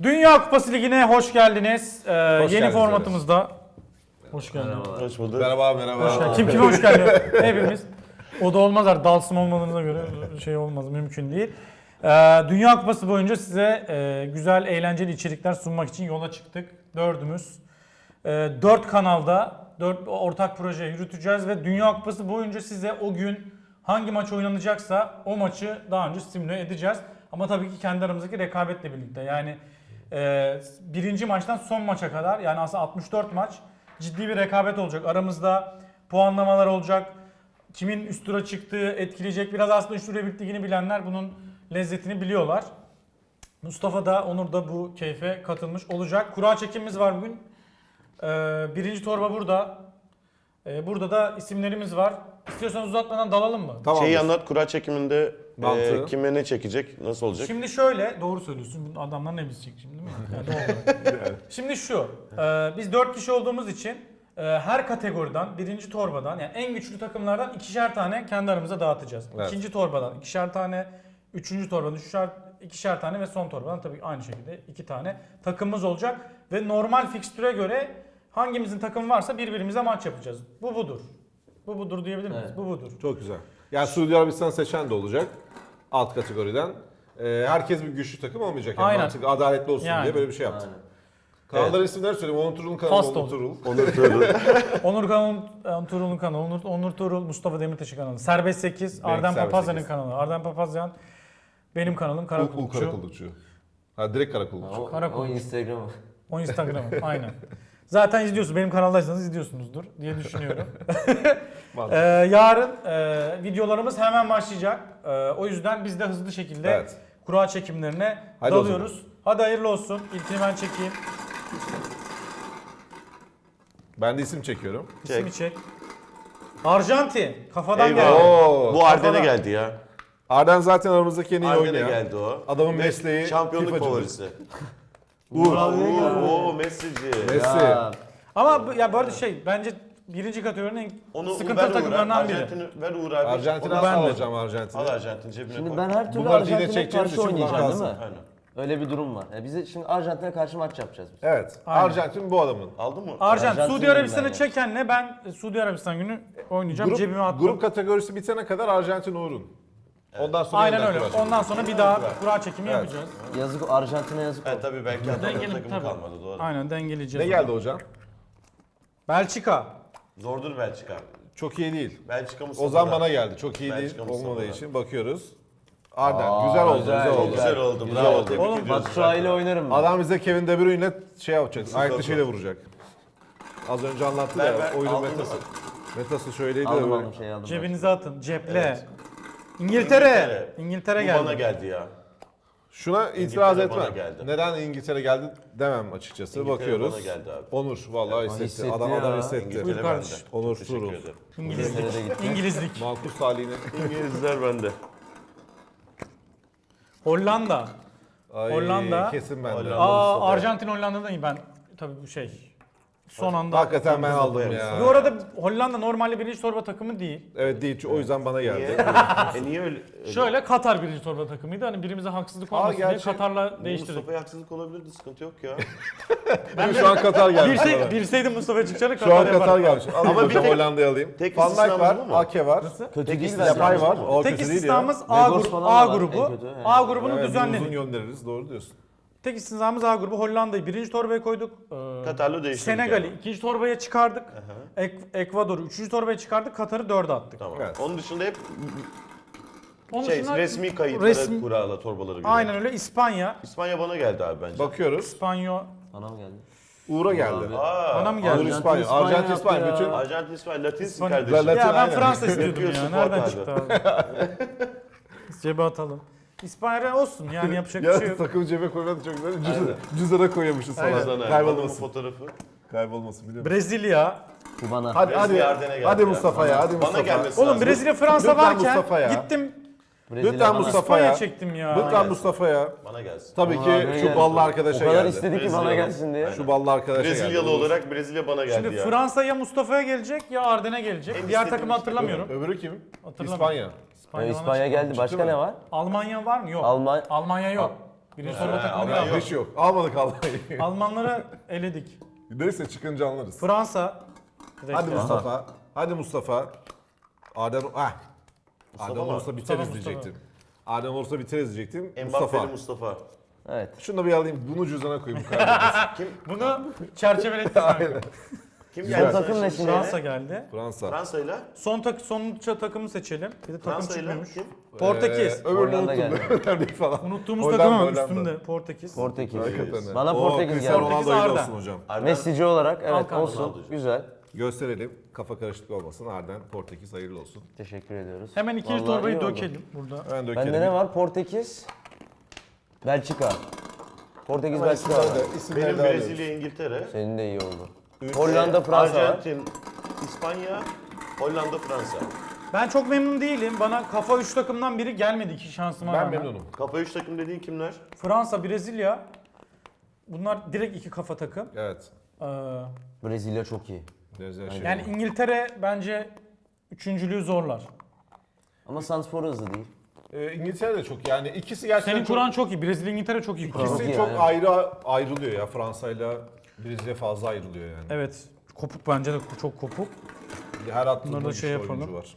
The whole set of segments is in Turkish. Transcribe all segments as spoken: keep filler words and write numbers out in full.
Dünya Kupası Ligi'ne hoş geldiniz. Ee, Hoş yeni geldiniz formatımızda. Hoş geldiniz. Hoş bulduk. Merhaba merhaba. Hoş geldin. Kim kime hoş geldi? Hepimiz. O da olmaz artık. Dalsım olmadığınıza göre şey olmaz. Mümkün değil. Ee, Dünya Kupası boyunca size e, güzel, eğlenceli içerikler sunmak için yola çıktık. Dördümüz. E, dört kanalda dört ortak proje yürüteceğiz ve Dünya Kupası boyunca size o gün hangi maç oynanacaksa o maçı daha önce simüle edeceğiz. Ama tabii ki kendi aramızdaki rekabetle birlikte. Yani e, birinci maçtan son maça kadar, yani aslında altmış dört maç ciddi bir rekabet olacak. Aramızda puanlamalar olacak. Kimin üst tura çıktığı etkileyecek. Biraz aslında üst tura ligini bilenler bunun lezzetini biliyorlar. Mustafa da, Onur da bu keyfe katılmış olacak. Kura çekimimiz var bugün. Ee, birinci torba burada. Ee, burada da isimlerimiz var. İstiyorsanız uzatmadan dalalım mı? Tamam. Şeyi anlat, kura çekiminde Mantığı. e, kime ne çekecek, nasıl olacak? Şimdi şöyle, doğru söylüyorsun. Bu adamlar ne bilecek şimdi, değil mi? Yani doğru. Şimdi şu, e, biz dört kişi olduğumuz için e, her kategoriden, birinci torbadan, yani en güçlü takımlardan ikişer tane kendi aramıza dağıtacağız. Evet. İkinci torbadan ikişer tane, üçüncü torbadan üçer, ikişer tane ve son torbadan tabii aynı şekilde iki tane takımımız olacak. Ve normal fikstüre göre hangimizin takımı varsa birbirimize maç yapacağız. Bu budur. Bu budur diyebilir miyiz? Evet. Bu budur. Çok güzel. Yani Suudi Arabistan seçen de olacak alt kategoriden. Ee, herkes bir güçlü takım olmayacak. Yani Aynen. mantıklı, adaletli olsun Yani. diye böyle bir şey yaptık. Aynen. Kanalların isimleri söyleyeyim. Onur Turul'un kanalı Fast Onur oldu. Turul. Onur Turul. Onur Kanal, Onur Turul'un kanalı, Onur, Onur Turul, Mustafa Demirtaş'ın kanalı. Serbest sekiz, Benimki Arden Serbest Papazyan'ın sekiz. kanalı. Arden Papazyan, benim kanalım Kara Ul Kulukçu. Karakullukçu. Ha direkt Karakullukçu. O, Karakol. o Instagram'ı. O Instagram'ı, aynen. Zaten izliyorsunuz, benim kanaldaysanız izliyorsunuzdur diye düşünüyorum. ee, yarın e, videolarımız hemen başlayacak. E, o yüzden biz de hızlı şekilde Evet. kura çekimlerine Hadi o dalıyoruz. Hadi hayırlı olsun. İlkini ben çekeyim. Ben de isim çekiyorum. İsmi çek. Arjantin. Kafadan Eyvah. geldi. Oo. Bu Arden'e Kafadan. geldi ya. Arden zaten aramızdaki en iyi Arden'e oynayan. geldi o. Adamın Ve mesleği şampiyonluk FIFA'cıdır. favorisi. Uğur. Oo, oo Messi'ci. Messi. Ya, Ama bu- ya bu arada şey, bence birinci kategorinin en Onu sıkıntılı ver Uğur'a. takımlarından biri. Arjantin'i ver Uğur abi. Arjantin'i Onu ben de. alacağım Arjantin'i. Al Arjantin cebine Şimdi koy. ben her türlü Bunlar yine Arjantin'e çekeceğimiz karşı için oynayacağım değil mi? kalsın. Aynen. Öyle bir durum var. Yani bize şimdi Arjantin'e karşı maç yapacağız biz. Evet. Aynen. Arjantin bu adamın. Aldın mı? Arjantin, Arjantin Suudi Arabistan'ı ben ya. çekenle ben Suudi Arabistan günü oynayacağım. Grup, Cebime attım. grup kategorisi bitene kadar Arjantin Uğur'un. Ondan sonra Aynen yeniden öyle. kura çekelim. Ondan sonra bir daha kura çekimi Evet. yapacağız. Yazık Arjantin'e yazık Evet oldu. tabii belki adamın Dengeli, takımı tabii. kalmadı doğru. Aynen, Ne dengeleyeceğiz. geldi hocam? Belçika. Zordur Belçika. Çok iyi değil. Belçika Mustafa. Ozan bana geldi. Çok iyi Belçika değil Mustafa olmadığı da. için bakıyoruz. Arden. Aa, güzel oldu. güzel, Güzel, oldu. Güzel oldu. Güzel Bravo. oldu. Tebrik Oğlum, ediyoruz. Batshuayi ile oynarım ben. Adam bize Kevin De Bruyne'le şey yapacak. Ayak dışıyla vuracak. Az önce anlattı Ver, ya. ver. Oyunun Aldın metası. mı? Metası şöyleydi de Aldım böyle. aldım şey aldım. Cebinize atın. Ceple. İngiltere. İngiltere Bu geldi. bana geldi ya. Şuna itiraz İngiltere bana etmem. geldi. Neden İngiltere geldi demem açıkçası. İngiltere Bakıyoruz. bana geldi abi. Onur vallahi hissetti. hissetti Adam ya. adam hissetti. İngiltere Buyur bende. kardeşim. Çok Onur teşekkür Turul. ederim. İngilizlik. İngiltere'de gitti. İngilizlik. Markus talihine. İngilizler bende. Hollanda. Ay, Hollanda. Kesin bende. Hollanda. Aa, Mustafa. Arjantin Hollanda'dan iyi. Ben tabii bu şey. Son anda. Hakikaten ben aldım ya. Bu arada Hollanda normalde birinci torba takımı değil. Evet değil. O yüzden bana Niye? geldi. e niye öyle? öyle? Şöyle Katar birinci torba takımıydı. Hani birimize haksızlık Aa, olmasın diye gerçi- Katar'la değiştirdik. Mustafa'ya haksızlık olabilirdi, sıkıntı yok ya. Ben şu an Katar gelmiş. Bilsey, bana. bilseydim Mustafa çıkacağını Şu an Katar Katar yapar. gelmiş. Alayım Ama bir hocam tek- Hollanda'yı alayım. tek Van Dijk var, istisnamız bu mu? Ake var. Kötü Tek değil istisnamız bence. Yapay var. bu. O Tek kötü değil ya. istisnamız A, Vegors grubu, falan A var, grubu. en kötü, yani. A grubunu Evet, bir düzenledik. uzun göndeririz. Doğru diyorsun. Tek istisnamız A grubu. Hollanda'yı birinci torbaya koyduk. Ee, Katar'la değiştirdik Senegal'i yani. ikinci torbaya çıkardık. Ek, Ekvador'u üçüncü torbaya çıkardık. Katar'ı dörde attık. Tamam. Evet. Onun dışında hep Onun şey dışında resmi kayıtlara resmi- kurala torbaları göre. Aynen öyle. İspanya. İspanya bana geldi abi bence. Bakıyoruz. İspanyol. Bana mı geldi? Uğur'a geldi. Abi. Aa, Bana mı Uğur geldi? İspanya. İspanya Arjantin yaptı İspanya. ya. Bütün Arjantin İspanya Latinsin İspanya. kardeşim. Latin- Ya ben aynen. Fransa istiyordum Yapıyorsun ya. Nereden Fuat çıktı abi? Cebe atalım. İspanya olsun yani, yapacak bir şey ya yok. takım cebe koymadı çok güzel. Cüzdanı, cüzdana koyuyormuşuz Sana falan. adamın Kaybolmasın. fotoğrafı. Kaybolmasın biliyor musun? Brezilya. Bu bana. Hadi hadi. Brezilya Arden'e geldi Hadi ya. Mustafa ya. Hadi Bana Mustafa. gelmesi Oğlum lazım. Brezilya Fransa Lütfen varken Mustafa ya. gittim Brezilya Lütfen bana. Mustafa İspanya ya. çektim ya. Lütfen Mustafa ya. Bana gelsin. Tabii Aa, ki ne şu geldi? ballı O arkadaşa kadar geldi. istedi ki bana Brezilya. gelsin diye. Şu ballı arkadaşa geldi. Brezilyalı olarak Brezilya bana geldi Şimdi ya. Fransa ya Mustafa'ya gelecek ya Arden'e gelecek. En Diğer istediğim takımı hatırlamıyorum. Öbürü kim? Hatırlamıyorum. İspanya. Ya İspanya, İspanya geldi. Başka mi? ne var? Almanya var mı? Yok. Alman Almanya yok. Birinci torba takımı ama yok. Hiç yok. Almadık Almanya'yı. Almanları eledik. Neyse çıkınca anlarız. Fransa. direkt Hadi ya. Mustafa. Hadi Mustafa. Adem ah. Adem mı? olursa biteriz Mustafa, diyecektim. Adem olursa biteriz diyecektim. Mbappé'li Mustafa. Mustafa. Evet. Şunu da bir alayım. Bunu cüzdana koyayım. Bu kadar. Bunu çerçevelettik. kanka. Kim Güzel. geldi? Takım ne şimdi? Fransa geldi. Fransa. Fransa'yla. Son tak sonuncu takımı seçelim. Bir de takım Fransa'yla çıkmıyormuş. kim? Portekiz. Ee, öbürünü Hollanda unuttum. geldi. Önemli değil falan. Unuttuğumuz Hollanda, takım ama Hollanda. üstünde Portekiz. Portekiz. Hakikaten. Bana Oo, Portekiz Cristiano geldi. Ronaldo Portekiz hayırlı Arda. olsun hocam. Arden. Messi'ci olarak evet Hakan olsun. Ronaldo'cu. Güzel. Gösterelim. Kafa karışıklığı olmasın. Arden Portekiz hayırlı olsun. Teşekkür ediyoruz. Hemen ikinci Vallahi torbayı iyi oldu. dökelim burada. Hemen dökelim. Bende ne var? Portekiz, Belçika. Portekiz, Hemen Belçika var. isimleri de- isimleri Benim de alıyoruz. Brezilya, İngiltere. Senin de iyi oldu. Hollanda, Ee, Fransa var. Arjantin, İspanya, Hollanda, Fransa. Ben çok memnun değilim. Bana kafa üç takımdan biri gelmedi iki şansıma Ben rağmen. memnunum. Kafa üç takım dediğin kimler? Fransa, Brezilya. Bunlar direkt iki kafa takım. Evet. Ee, Brezilya çok iyi. Brezilya şey. yani İngiltere bence üçüncülüğü zorlar. Ama Sanspor hızlı değil. Ee, İngiltere de çok yani ikisi gerçekten Senin çok, kuran çok iyi. Brezilya, İngiltere çok iyi kuran. ikisi Çok iyi çok yani. ayrı ayrılıyor ya. Fransa'yla Brezilya fazla ayrılıyor yani. Evet. Kopuk bence de çok kopuk. Her attığında Bunları da bir şey oyuncu yapalım. var.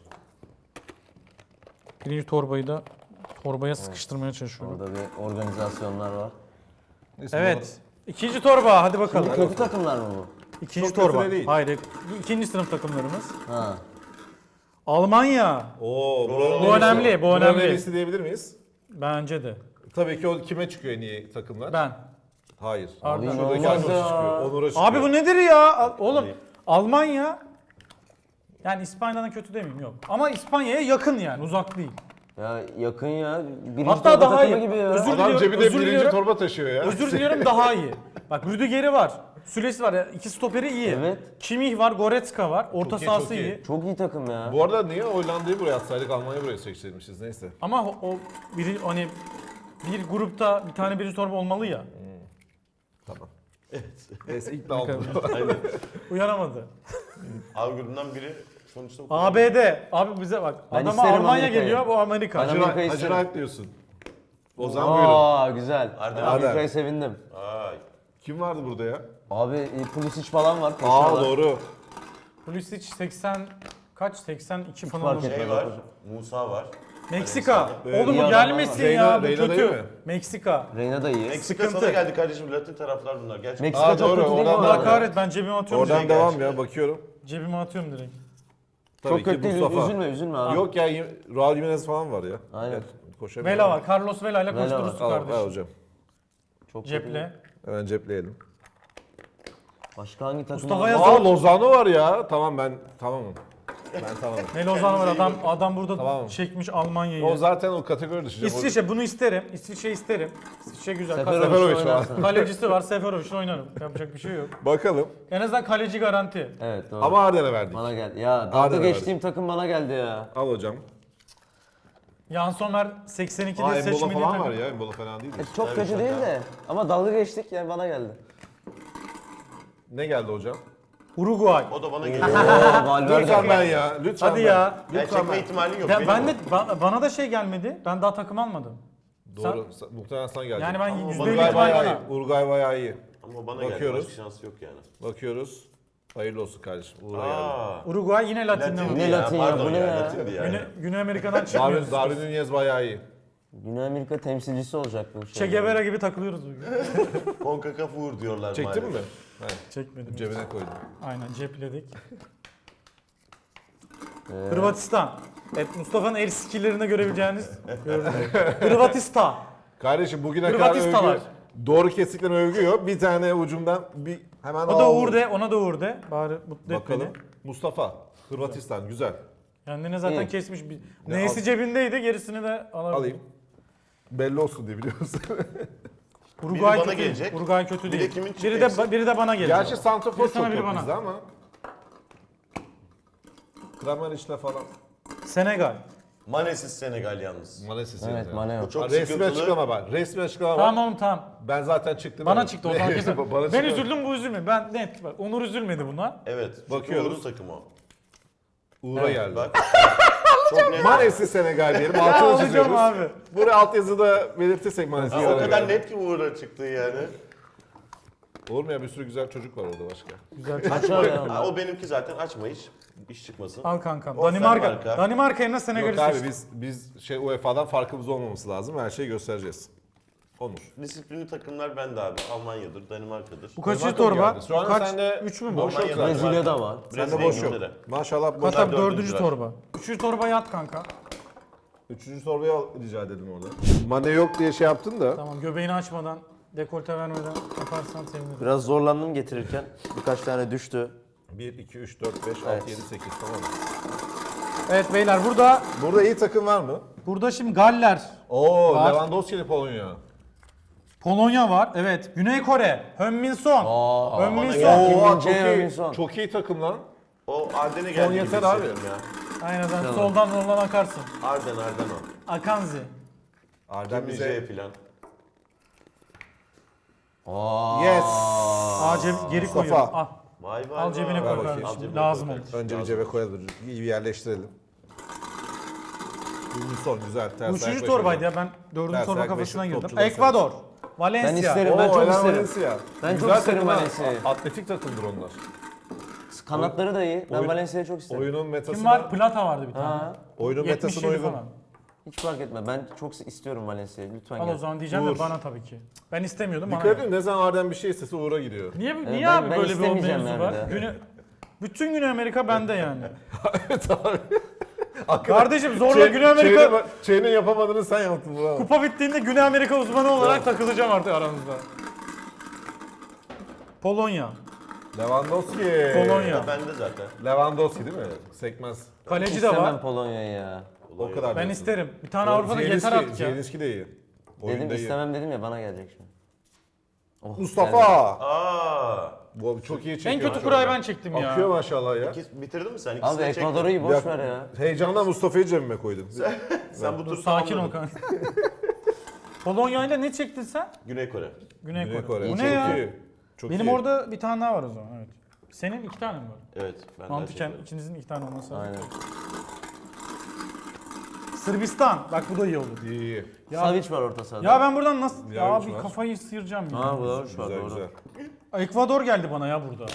Birinci torbayı da torbaya sıkıştırmaya çalışıyorum. Orada bir organizasyonlar var. Neyse, Evet. İkinci torba hadi bakalım. Kötü takımlar mı bu? İkinci Çok kötü torba. de değil. Hayır. ikinci sınıf takımlarımız. Ha. Almanya. Oo, buranın Bu en iyisi. önemli, bu Buranın önemli. en iyisi diyebilir miyiz? Bence de. Tabii ki o kime çıkıyor en iyi takımlar? Ben. Hayır. Arda. Abi Şuradaki inanılmaz Onur'a ya. çıkıyor. Onur'a çıkıyor. Abi bu nedir ya? Al- Oğlum Almanya yani İspanya'dan kötü demeyeyim yok. Ama İspanya'ya yakın yani uzak değil. Ya yakın ya. Birinci Hatta torba daha takımı iyi. gibi ya. Özür Adam diliyorum, cebinde özür birinci diliyorum. torba taşıyor ya. Özür diliyorum daha iyi. Bak Rüdiger'i var. Sülesi var. ya, İki stoperi iyi. Evet. Kimmich var, Goretzka var. Orta Çok iyi, sahası çok iyi. iyi. Çok iyi takım ya. Bu arada niye Hollanda'yı buraya atsaydık Almanya'yı buraya seçtirmişiz neyse. Ama o, o biri hani bir grupta bir tane birinci torba olmalı ya. Tamam. Neyse ikna oldum. Aynen. Uyanamadı. A grubundan biri sonuçta bu A B D. Abi bize bak. Ben Adama isterim Almanya Amerika'yı. geliyor, bu Amerika. Ben Hacı Amerika'yı Hacı isterim. Rahat diyorsun. O zaman buyurun. Aa güzel. Arda. Amerika'yı sevindim. Ay. Kim vardı burada ya? Abi e, Pulisic falan var. Aa koşuyorlar. doğru. Pulisic seksen kaç? seksen iki falan fark olacak. etmez. Şey var, Musa var. Meksika. Evet. Oğlum İyi bu adamlar gelmesin var. ya. Reyna- Bu Reyna değil kötü. mi? Meksika. Reyna da iyi. Meksika Sıkıntı. sana geldi kardeşim. Latin taraflar bunlar. Gerçekten. Meksika Aa, çok doğru, kötü değil mi oradan bu da- Allah arada? kahret ben cebime atıyorum. Oradan direkt. devam ya bakıyorum. Cebime atıyorum direkt. Tabii Çok kötü ki değil. Mustafa. Üzülme üzülme abi. Yok ya Raul Jimenez falan var ya. Aynen. Gel, koşamıyor. Vela var. Carlos Vela ile Vela var. koşturursun Al, al kardeşim. hocam. Çok kötü. Ceple. Hemen cepleyelim. Başka hangi takım Mustafa var? Yaz- Aa Lozano var ya. Tamam ben tamamım. Ben tamamım. Ne Lozano var adam adam burada Tamam. çekmiş Almanya'yı. O zaten o kategori dışı. İsviçre bunu isterim. İsviçre isterim. İsviçre güzel. Seferovic Seferovic var. oynarsın. Kalecisi var. Seferovic'le oynarım. Yapacak bir şey yok. Bakalım. En azından kaleci garanti. Evet doğru. Ama Arden'e verdik. Bana geldi. Ya Arda dalga verdi. geçtiğim takım bana geldi ya. Al hocam. Yan Somer seksen Aa ikide Embola seçmeli falan var takım. ya. Embola fena değil. E, çok Tabii kötü şaka. değil de. Ama dalga geçtik yani bana geldi. Ne geldi hocam? Uruguay. O da bana geliyor. Oo, Valverde. Lütfen ben ya. Lütfen Hadi ben. ya. Ya Lütfen çekme ben. ihtimalin yok. Ya benim ben o. de ba- bana da şey gelmedi. Ben daha takım almadım. Doğru. Sen, muhtemelen sana geldi. Yani ben Ama yüzde elli Uruguay ihtimal bayağı iyi. bana. Uruguay bayağı iyi. Ama bana Bakıyoruz. geldi. Başka şansı yok yani. Bakıyoruz. Hayırlı olsun kardeşim. Uğur'a geldi. Aa. Uruguay yine Latin'de Latin var. Ne Latin ya, pardon bu ne ya? Latindi yani. Güney, Güney Amerika'dan çıkmıyoruz. Darwin, Darwin Nunez bayağı iyi. Güney Amerika temsilcisi olacak bu şey. Che Guevara gibi takılıyoruz bugün. CONCACAF Uğur diyorlar Çektin mi? maalesef. He, Çekmedim. cebine koydum. Aynen cepledik. Ee, Hırvatistan. Evet Mustafa'nın el skill'lerinde görebileceğiniz gördüm. Hırvatistan. Kardeşim bugüne kadar Hırvatistan övgü, var. doğru kesikten övgü yok. Bir tane ucundan bir hemen O da aldım. Uğur de, ona da Uğur de. Bari mutlu et Bakalım. beni. Mustafa. Hırvatistan güzel. Kendine zaten İyi. kesmiş. Bir... Ne Neysi al- cebindeydi gerisini de alabilir. Alayım. Belli olsun diye biliyorsun. Uruguay Biri bana kötü. gelecek. Uruguay kötü Bir de değil. kimin biri de çıkacaksa? biri de bana gelecek. Gerçi santrafor Biri sana, çok biri yok bana. bizde ama. Krameric'le falan. Senegal. Mane'siz Senegal yalnız. Mane sesi. Evet Mane Bu yok. çok Resmi sıkıntılı. açıklama var. Resmi açıklama var. Tamam oğlum tamam. Ben zaten çıktım. Bana evet. çıktı o zaman kesin. Bana Ben çıktı. üzüldüm bu üzülmedi. Ben net bak Onur üzülmedi buna. Evet. Çünkü Bakıyoruz. Uğur'un takımı o. Uğur'a geldi. Bak. Çok net. Manesi Senegal diyelim. Ya Altını alacağım çiziyoruz. abi. Buraya altyazıda belirtirsek Manesi Ha, o Senegal. kadar net ki Uğur'a çıktı yani. Olur mu ya, bir sürü güzel çocuk var orada başka. Güzel. Aç abi ya. Ha, o benimki zaten açma iş. İş çıkmasın. Al kankam. O Danimarka. Danimarka. Danimarka yerine Senegal'i Yok abi, seçtim. biz biz şey U E F A'dan farkımız olmaması lazım. Her şeyi göstereceğiz. Onur. Disiplinli takımlar bende abi. Almanya'dır, Danimarka'dır. Bu kaçıncı Danimarka mı torba? geldi? Şu an Bu kaç? sende Üç mü bu? boş yok Almanya'da zaten. Brezilya'da zaten. var. Sende Brezilya, boş yok. İngiltere. Maşallah boş. Katar Bunlar dördüncü dördüncüler. torba. Üçüncü torba yat kanka. Üçüncü sorbayı al, rica edelim orada. Mane yok diye şey yaptın da. Tamam, göbeğini açmadan, dekolte vermeden yaparsan sevinirim. Biraz zorlandım getirirken. Birkaç tane düştü. bir, iki, üç, dört, beş, Evet. altı, yedi, sekiz, tamam. Evet beyler, burada Burada iyi takım var mı? burada şimdi Galler, Oo, Var. Lewandowski'li Polonya. Polonya var. Evet. Güney Kore, Heung-min Son. Aa, Heung-min bana Son. geldi. Oo, Kim çok Min-jae, iyi. Min-son. Çok iyi takım lan. O Arden'e Son geldi gibi yeter abi. hissediyorum ya. Aynen, sen soldan soldan akarsın. Arden, Arden o. Akanzi. Arden bize... Demice'ye falan. Aa. Yes. Aa, ceb- geri Mustafa. koyuyorum. Al. Vay vay Al cebine vay. koy bakayım. kardeşim. Al cebine Lazım koy olur. kardeşim. Önce bir Lazım. cebe koyalım. İyi bir yerleştirelim. Son güzel. Ters Bu üçüncü ayak torbaydı beşi. ya, ben dördüncü Ters torba ayak kafasına beşi, girdim. topçular Ekvador, Valencia. Ben isterim. Ben Oo, çok Elen isterim. Valencia. Ben çok Güzel isterim takım ha. Valencia'yı. Atletik takımdır onlar. Kanatları da iyi. Ben Oyun- Valencia'yı çok isterim. Oyunun metasına, Kim var? Plata vardı bir tane. Ha. oyunun yetmiş metasına yedi uygun. falan. Hiç fark etme. Ben çok istiyorum Valencia'yı. Lütfen Al gel. o zaman diyeceğim Uğur. de bana tabii ki. Ben istemiyordum, bana. Dikkat geldi. edin, ne zaman Arden bir şey istese Uğur'a gidiyor. Niye, niye ben- abi ben böyle bir o istemeyeceğim mevzu yani var? bir daha. Güne, bütün Güney Amerika bende yani. Evet abi. Kardeşim zorla Şey- Güney Amerika Şeyinin, şeyinin yapamadığını sen yaptın bravo. kupa bittiğinde Güney Amerika uzmanı olarak takılacağım artık aranızda. Polonya, Lewandowski. Polonya. O bende zaten. Lewandowski değil mi? Sekmez. Kaleci de İstemem var. Polonya'yı ya. O kadar Ben diyorsun. isterim. Bir tane Avrupa'da yeter Zielinski- artık ya. Zielinski de iyi. Oyunda Dedim iyi. istemem dedim ya, bana gelecek şimdi. Oh, Mustafa. geldi. Aa. Bu çok iyi çekiyor. En kötü maşallah. kurayı ben çektim ya. Akıyor maşallah ya. İki, bitirdin mi sen? İkisini Abi de çektin. Ekvador'u iyi, Bir boş dakika. ver ya. Heyecandan Mustafa'yı cebime koydum. Sen bu Dur tur sakin ol tamamladın. kanka. Polonya'yla ne çektin sen? Güney Kore. Güney, Güney Kore. Kore. Bu Çok ne ya? iyi. Çok Benim iyi. orada bir tane daha var o zaman, evet. Senin iki tane mi var? Evet. Ben Mantıken ikinizin iki tane olması lazım. Aynen. Sırbistan. Bak bu da iyi olur. İyi iyi. Ya, Savic var orta sahada. ya ben buradan nasıl... Ya Yaviç abi var. kafayı sıyıracağım ya. Ha bu da var Güzel doğru. güzel. Ekvador geldi bana ya burada.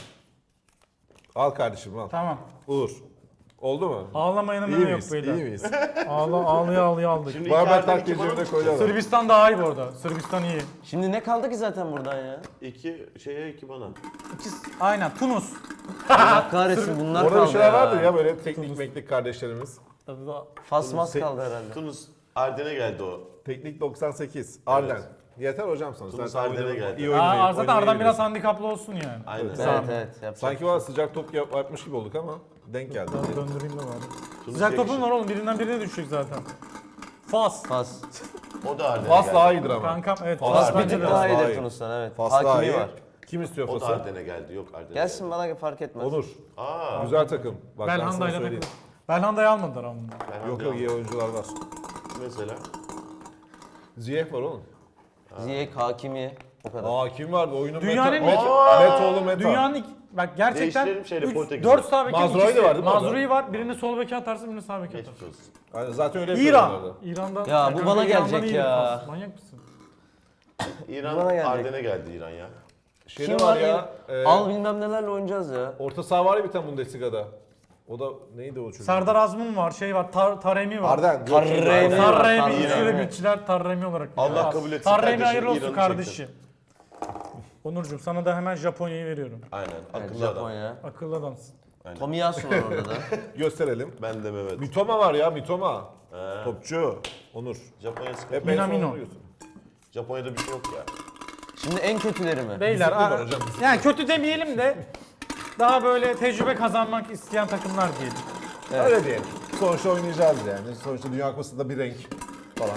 Al kardeşim al. Tamam. Uğur. Oldu mu? Ağlamayanın İyi önü yok miyiz? beyler. İyi miyiz? Ağla, ağlıya ağlıya aldık. Şimdi Barber iki Arden, taktiği iki cebine bana. koydu adam. Sırbistan daha iyi bu arada. Sırbistan iyi. Şimdi ne kaldı ki zaten buradan ya? İki şeye iki bana. İkisi, aynen. Tunus. Allah kahretsin bunlar Orada kaldı bir şeyler ya. vardı ya böyle teknik meknik kardeşlerimiz. Fasmas Se- kaldı herhalde. Tunus Arden'e geldi o. Teknik doksan sekiz. Arden. Yeter hocam sana. Tunus Zaten Arden'e oynayı- geldi. iyi Aa, oynamayı- zaten oynamayı Ardan biraz biliyorsun. handikaplı olsun yani. Aynen. Evet Sağ ol. evet. Yapacak Sanki bir şey var yok. sıcak top yap- yapmış gibi olduk ama denk geldi. Ben döndüreyim de bari. Tunus Sıcak topun yakışır. var oğlum. Birinden birine düşecek zaten. Fas. Fas. O da Arden'e Fas geldi. daha iyidir ama. Kankam evet. Fas Fas Bir bence tık de. Fas daha daha iyidir iyi. Tunus'tan evet. Fas daha Hakimi iyi. var. Kim istiyor O da Fas'ı? Arden'e geldi. Yok Arden'e Gelsin bana fark etmez. Olur. geldi. Aa. Güzel takım. Bak ben sana Belhanda'yla söyleyeyim. takılır. Belhanda'yı almadılar ama. bunlar. Ben Yok Arden'e yok iyi oyuncular var. Mesela. Ziyech var oğlum. Ziyech, Hakimi o kadar. Aa kim vardı? Oyunun Dünyanın- meta. Meta, Metoğlu Meta. Dünyanın ilk, bak gerçekten Değiştirelim şeyle, Portekiz'le. dört sağ bekin Mazraoui de ikisi. var değil mi orada? Mazraoui var. Birini sol beke atarsın, birini sağ beke Geçmiş atarsın. olsun. Aynen, zaten öyle İran. yapıyorlardı. İran'dan. Ya bu kanka bana İran'dan gelecek iyidir ya. Fas. Manyak mısın? İran Bana gelecek. Arden'e geldi İran ya. Şey Kim ne var var ya? e, Al bilmem nelerle oynayacağız ya. orta saha var ya bir tane Bundesliga'da. O da neydi o çocuk? Serdar Azmun var, şey var, Tar Taremi var. Arden. yok, Tarremi. Arden. Tarremi, Tarremi. üçlü bütçüler Tarremi olarak. Allah biliyor. kabul etsin Tarremi kardeşim, hayırlı olsun İran'ı kardeşim. Onurcuğum sana da hemen Japonya'yı veriyorum. Aynen. Evet, Akıllı adam. Japonya. Akıllı adamsın. Aynen. Tomiyasu var orada da. Gösterelim. Ben de Mehmet. Mitoma var ya Mitoma. He. Topçu. Onur. Japonya sıkıntı. Hep en son Minamino. onu diyorsun. Japonya'da bir şey yok ya. Şimdi en kötüleri mi? Beyler, Disiplin var aa, hocam, disiplin. yani kötü demeyelim de daha böyle tecrübe kazanmak isteyen takımlar diyelim. Evet. Öyle diyelim. Sonuçta oynayacağız yani. Sonuçta Dünya Kupası'nda bir renk falan.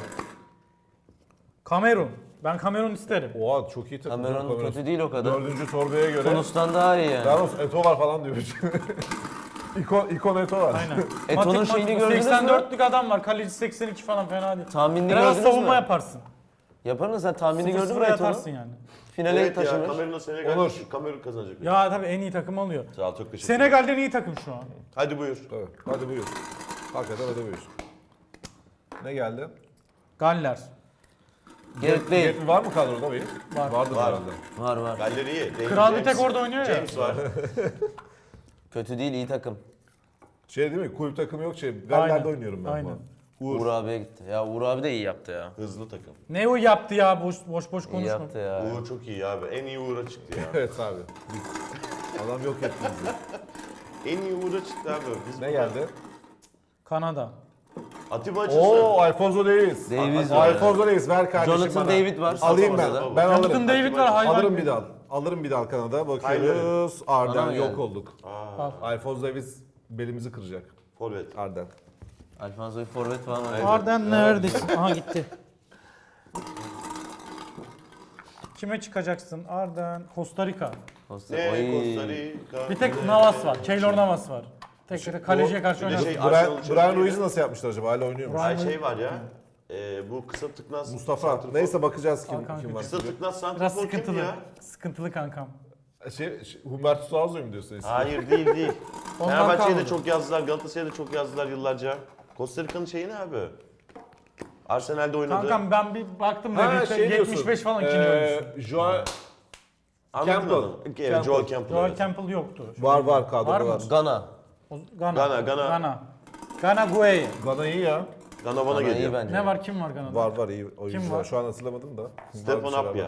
Kamerun. Ben Kamerun isterim. Oha çok iyi takım. Cameron Cameron. kötü değil o kadar. Dördüncü torbaya göre. Tunus'tan daha iyi yani. Yalnız Eto var falan diyor. İkon, ikon Eto var. Aynen. Eto'nun Matik- şeyini matik- gördünüz mü? seksen dörtlük adam var. Kaleci seksen iki falan, fena değil. Tahminini Biraz gördünüz savunma mü? yaparsın. Yapar mısın? Sen tahminini Sıfır gördün mü sıfıra Eto'nu? yatarsın yani. Finale Evet ya, taşımış. Kamerun'la Senegal. Onur. Kamerun kazanacak. Ya tabii en iyi takım oluyor. Sağ ol, çok teşekkür ederim. Senegal'den iyi takım şu an. Hadi buyur. Evet. Hadi buyur. Hakikaten ödemiyorsun. Ne geldi? Galler. Gerek değil. Yetmi var mı kadroda benim? Var. Vardır Var. herhalde. Var var. Galler iyi. David Kral bir James- tek orada oynuyor ya. James var. Kötü değil, iyi takım. Şey değil mi? Kulüp takımı yok şey. Galler'de Aynen. oynuyorum ben. Aynen. Falan. Uğur. Uğur abiye gitti. Ya Uğur abi de iyi yaptı ya. Hızlı takım. Ne o yaptı ya boş boş boş İyi konuşma. yaptı ya. Uğur çok iyi abi. En iyi Uğur'a çıktı ya. Evet abi. Biz- Adam yok etti bizi. En iyi Uğur'a çıktı abi. Biz Ne burada- geldi? Kanada. Atiba açılsın. Oo Alfonso Davies. Davies Al- var. Alfonso Davies ver kardeşim Jonathan bana. David var. Alayım ben. Mustafa Ben var. alırım. Jonathan David var hayvan. Alırım gibi. bir dal. Alırım bir dal Kanada. Bakıyoruz. Bana Arden mı yok geldi? olduk. Aa, Alfonso Davies belimizi kıracak. forvet. Arden. Alfonso bir forvet falan var. Arden neredesin? Aha gitti. Kime çıkacaksın? Arden, Costa Rica. Costa- Ne? Oy. Costa Rica. Bir tek Navas var. Keylor Navas var. Tek kaleciye karşı Bir de oynar. şey- Brian, Arsenal Brian çok Ruiz'i iyiydi. nasıl yapmışlar acaba? Hala oynuyor mu? Ay şey var ya. E, bu kısa tıknaz. Mustafa. santrfor. Neyse bakacağız kim, Hakan kim var. Kısa tıknaz Biraz santrfor kim sıkıntılı. ya? Sıkıntılı kankam. Şey, şey, Humberto Suazo'yu mu diyorsun eski? Hayır değil değil. Ondan Fenerbahçe'ye de kalmadı. çok yazdılar, Galatasaray'a da çok yazdılar yıllarca. Costa Rica'nın şeyi ne abi? Arsenal'de oynadı. Kankam ben bir baktım da Ha, bir şey yetmiş diyorsun. beş falan ikinci oyuncusu. Ee, Joao Anladın Campbell. adamı. Evet, Campbell. Joel Campbell. Joel evet. Campbell yoktu. var var kadroda Var var. mı? Gana. O- Gana. Gana, Gana. Gana. Gana Gueye. Gana iyi ya. Gana bana Gana iyi geliyor. bence. Ne var kim var Gana'da? Var var iyi oyuncu var. var? Şu an hatırlamadım da. Var Stefan bir şeyler Apya. var.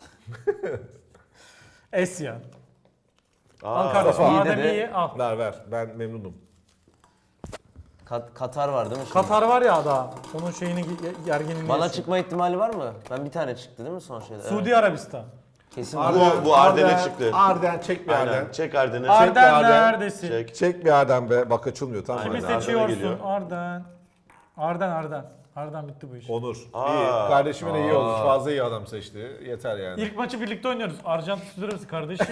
Esya. Aa, Al kardeşim. Mustafa. Madem İyi dedi. iyi al. Ver ver. Ben memnunum. Kat- Katar var değil mi şimdi? Katar var ya daha. Onun şeyini ge- gerginliğini Bana yaşıyor. çıkma ihtimali var mı? Ben bir tane çıktı değil mi son şeyde? Suudi Evet. Arabistan. Kesin Arden- var. Bu- bu Arden'e çıktı. Arden çek bir Aynen. Arden. Çek Arden'i. Arden Arden. neredesin? Çek. Çek bir Arden be. Bak açılmıyor tamam Kimi mı? Arden. seçiyorsun? geliyor. Arden. Arden Arden. Arden bitti bu iş. Onur. Aa. İyi. Kardeşime de iyi olmuş. Fazla iyi adam seçti. Yeter yani. İlk maçı birlikte oynuyoruz. Arjantin Suudi Arabistan kardeşim.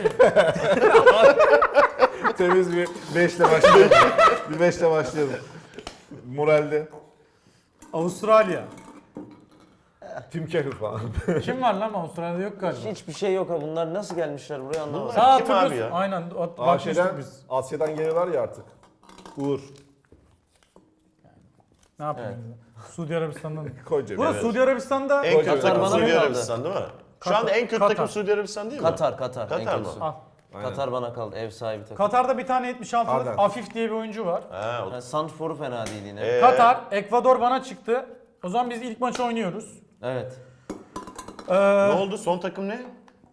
Temiz bir beşle başlayalım. bir beşle başlayalım. Moralde. Avustralya. Tim Cahill falan. Kim var lan Avustralya'da yok galiba. Hiçbir şey yok ha. Bunlar nasıl gelmişler buraya anlamadım. Bunlar- Sağ Kim abi hatırlıyorsun. ya? Aynen. at- Aa, Bakmıştık şeyden, biz. Asya'dan geliyorlar ya artık. Uğur. Ne yapayım? Suudi Arabistan'dan. Koy cebine. Burası Suudi Arabistan'da. En kötü Katar takım bana mı Suudi kaldı? Arabistan değil mi? Şu Katar- anda en kötü Katar. takım Suudi Arabistan değil mi? Katar, Katar. en Katar mı? kötüsü. Al. Aynen. Katar bana kaldı. Ev sahibi takım. Katar'da bir tane yetmiş altılık Arden. Afif diye bir oyuncu var. Ha, o- Yani Santfor'u fena değil yine. Ee, Katar, Ekvador bana çıktı. O zaman biz ilk maçı oynuyoruz. Evet. Ee, ne oldu? Son takım ne?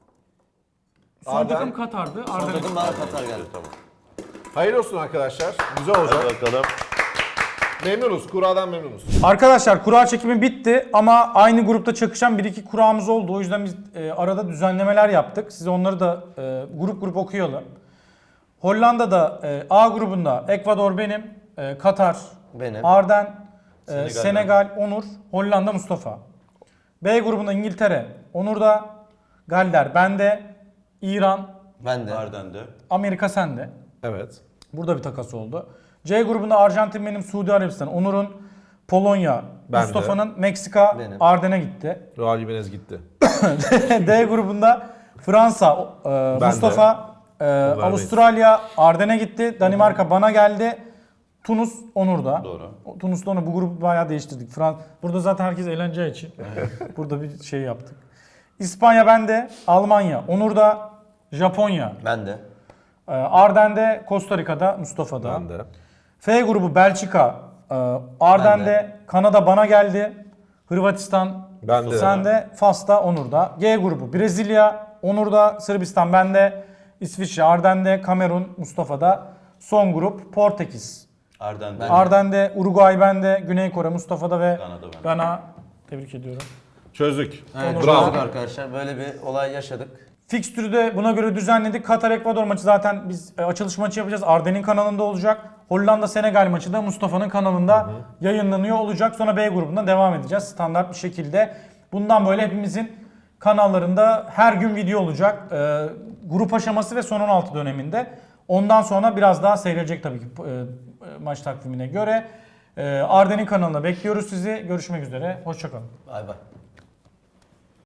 son Arden. takım Katar'dı. Son Arden. takım bana Katar geldi. Tamam. Hayırlı olsun arkadaşlar. Güzel olacak. Hadi bakalım. Memnunuz. Kuradan memnunuz. Arkadaşlar kura çekimi bitti ama aynı grupta çakışan bir iki kuramız oldu. O yüzden biz e, arada düzenlemeler yaptık. Size onları da e, grup grup okuyalım. Hollanda'da e, A grubunda Ekvador benim, e, Katar, Benim. Arden, e, Senegal Senegal, Onur, Hollanda, Mustafa. B grubunda İngiltere, Onur'da, Galler bende, İran, Ben de. Arden'de. Amerika sende. Evet. Burada bir takas oldu. C grubunda Arjantin benim, Suudi Arabistan, Onur'un, Polonya, Ben de. Mustafa'nın, Meksika, Benim. Arden'e gitti. Raul Jimenez gitti. D grubunda Fransa, e, Mustafa, e, Avustralya, Arden'e gitti. Danimarka bana geldi. Tunus, Onur'da. Doğru. O- Tunus'ta Onur. Bu grubu bayağı değiştirdik. Frans Burada zaten herkes eğleneceği için. Burada bir şey yaptık. İspanya bende, Almanya, Onur'da, Japonya, Ben de. e, Arden'de, Costa Rica'da, Mustafa'da. Ben de. F grubu Belçika, e, Arden'de, Kanada bana geldi. Hırvatistan, Ben de. sende, Fas'ta, Onur'da. G grubu Brezilya, Onur'da, Sırbistan bende. İsviçre, Arden'de, Kamerun, Mustafa'da. Son grup Portekiz. Arden'de. Arden'de, Uruguay bende, Güney Kore, Mustafa'da ve Gana'da bende. Gana. Tebrik ediyorum. Çözdük. Evet, Bravo. çözdük arkadaşlar. Böyle bir olay yaşadık. Fikstürü de buna göre düzenledik. Katar-Ekvador maçı zaten biz e, açılış maçı yapacağız. Arden'in kanalında olacak. Hollanda-Senegal maçı da Mustafa'nın kanalında yayınlanıyor olacak. Sonra B grubundan devam edeceğiz standart bir şekilde. Bundan böyle hepimizin kanallarında her gün video olacak. E, grup aşaması ve son on altı döneminde. Ondan sonra biraz daha seyredecek tabii ki e, e, maç takvimine göre. E, Arden'in kanalına bekliyoruz sizi. Görüşmek üzere. Hoşçakalın. Bay bay.